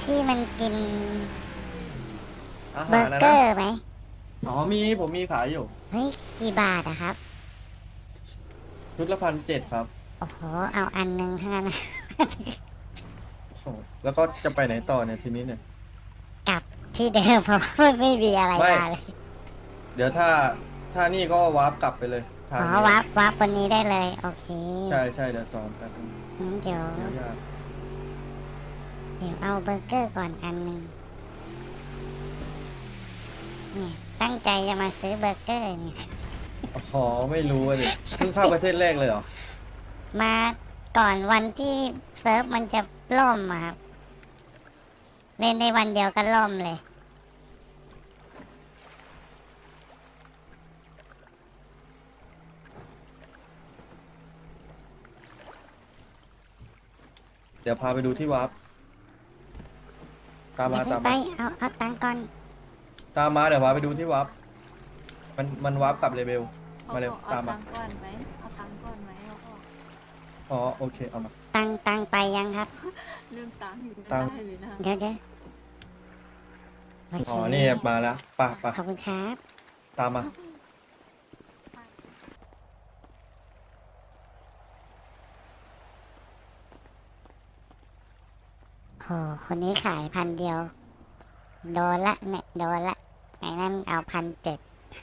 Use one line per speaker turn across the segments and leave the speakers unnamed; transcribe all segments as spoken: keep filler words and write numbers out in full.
ที่มันกิน
อา
เบอ
หารนะนะ
ร์เกอร์ไหม
อ๋อมีผมมีขายอยู่
เฮ้ยกี่บาทอะครับ
ชุดละพันเจ็ดครับ
โอ้โหเอาอันหนึ่งเท่านั้นนะ
โอ้โหแล้วก็จะไปไหนต่อเนี่ยทีนี้เนี่ย
กลับที่เดิมเพราะว่าไม่มีอะไร
ไม่
มาเลย
เดี๋ยวถ้าถ้านี่ก็วาร์ปกลับไปเลยทา
อ๋อ
งนี้
วับวับวันนี้ได้เลยโอเค
ใช่ใช่เดี๋ยวสอนแป๊บนึง
งั้นเดี๋ยว
เดี๋ยวยาก
เดี๋ยวเอาเบอร์เกอร์ก่อนอันหนึ่งเนี่ยตั้งใจจะมาซื้อเบอร์เกอร์เนี่ย
อ๋อไม่รู้อะดิเพิ่งเข้าประเทศแรกเลยเหรอ
มาก่อนวันที่เซิร์ฟมันจะล่มอะครับเล่นในวันเดียวก็ล่มเลย
เดี๋ยวพาไปดูที่วาร์ปตาม
อย่าเพิ่งไป
มาตามมา
เอาเอาตังค์ก่อน
ตามมาเดี๋ยวพาไปดูที่วาร์ปมันมันวาร์ปกลับเลเวล
เขา
มาเร็ว
บอกเอา
ตามมา
ตังค์ก่อนไหมเอาตังค์ก่อนไหมเขาบอก
อ๋อโอเคเอามา
ตังค์ตังค์ไปยังครับ
เรื่องตังค์อยู่ไม่
ตังค์
ได้เลยนะ
เดี๋ยวเดี๋ยวโอ
อ๋อ
เค
นี่มาแล้วไป่ะป่ะ
ขอบคุณครับ
ตามมา
โหคนนี้ขายพันเดียวโดนละเนี่ยโดนละไอ้นั่นเอาพันเจ็ด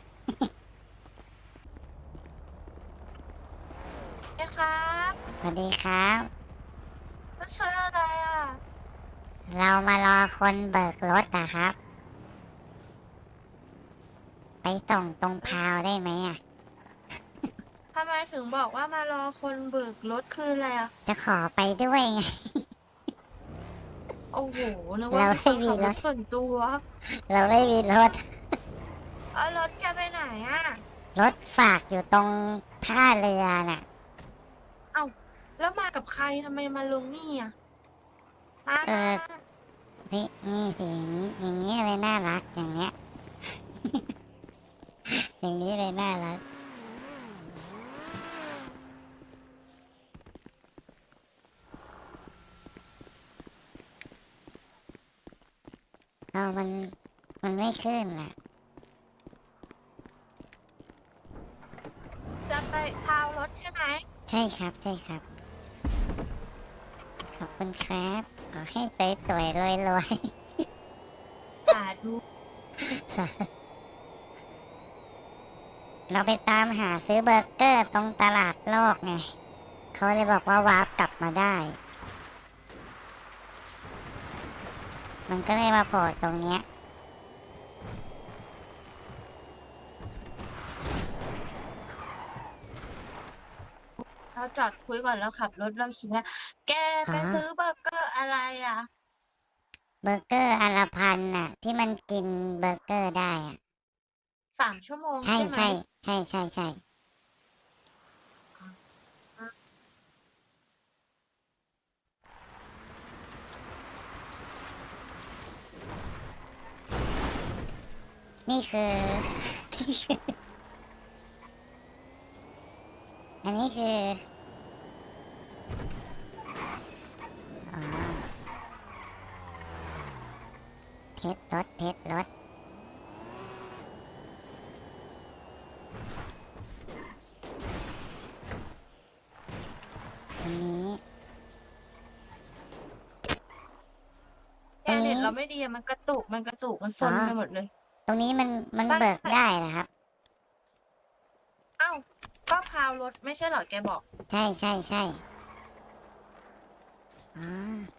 ไอ้ครับ
สวัสดีครับ
มันซื้ออะไรอ่ะ
เรามารอคนเบิกรถอะครับไปส่งตรงพาวได้ไหมอะ
ทำไมถึงบอกว่ามารอคนเบิกรถคืออะไรอ่ะ
จะขอไปด้วยไง
โอ้โหนึกว่า
เรา
มีค
ไม่มีรถ
นขับรถส่วนตัว
เราไม่มีรถ
เอารถแกไปไหนอ่ะ
รถฝากอยู่ตรงท่าเรือน่ะ
เอ้าแล้วมากับใครทำไมมาลงนี่อ่ะมา
เออ
มามา
นี่นี่สิอย่างนี้อย่างนี้เลยน่ารักอย่างเงี้ยอย่างนี้เลยน่ารักเอามันมันไม่ขึ้นอ่ะ
จะไปพาวรถใช่ไหม
ใช่ครับใช่ครับขอบคุณครับขอให้เตยสวยรวยรวย
สาธุ
เราไปตามหาซื้อเบอร์เกอร์ตรงตลาดโลกไงเขาเลยบอกว่าวาร์ปกลับมาได้ มันก็เลยมาโผล่ตรงเนี้ย
เราจอดคุยก่อนแล้วขับรถเราคิดว่าแก
อ๋อ
ไปซื้อเบอร์เกอร์อะไรอ่ะ
เบอร์เกอร์อันละพันน่ะที่มันกินเบอร์เกอร์ได้อ่ะ
สามชั่วโมง
ใช่
ใช่ไหม
ใช่ใช่ใช่ใช่นี่คือ อันนี้คืออ๋อเทสรถเทสรถอันนี้
แก
ตรงนี้
เน็ตเราไม่ดีอะมันกระตุกมันกระตุกมันซ
อ๋อ
นไปหมดเลย
ตรงนี้มันมัน
ใช่
เบิกได้เหรอครับ
เอ้าก็พาวรถไม่ใช่เหรอแกบอก
ใช่ใช่ใช่อ๋อ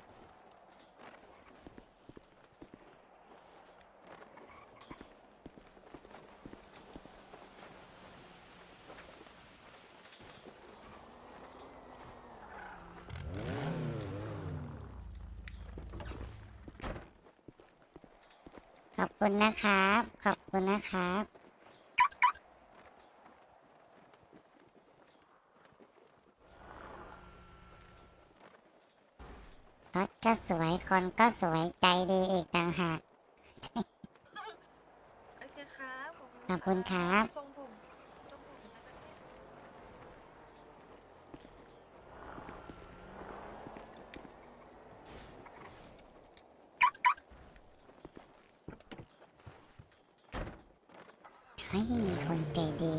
ขอบคุณนะครับขอบคุณนะครับรถก็สวยคนก็สวยใจดีอีกต่างหาก
โอเคครับขอบคุณ
ขอบ
ครั
คุณครับ
บทรงผมทรงผมในประเทศ
ไม่มีคนใจดี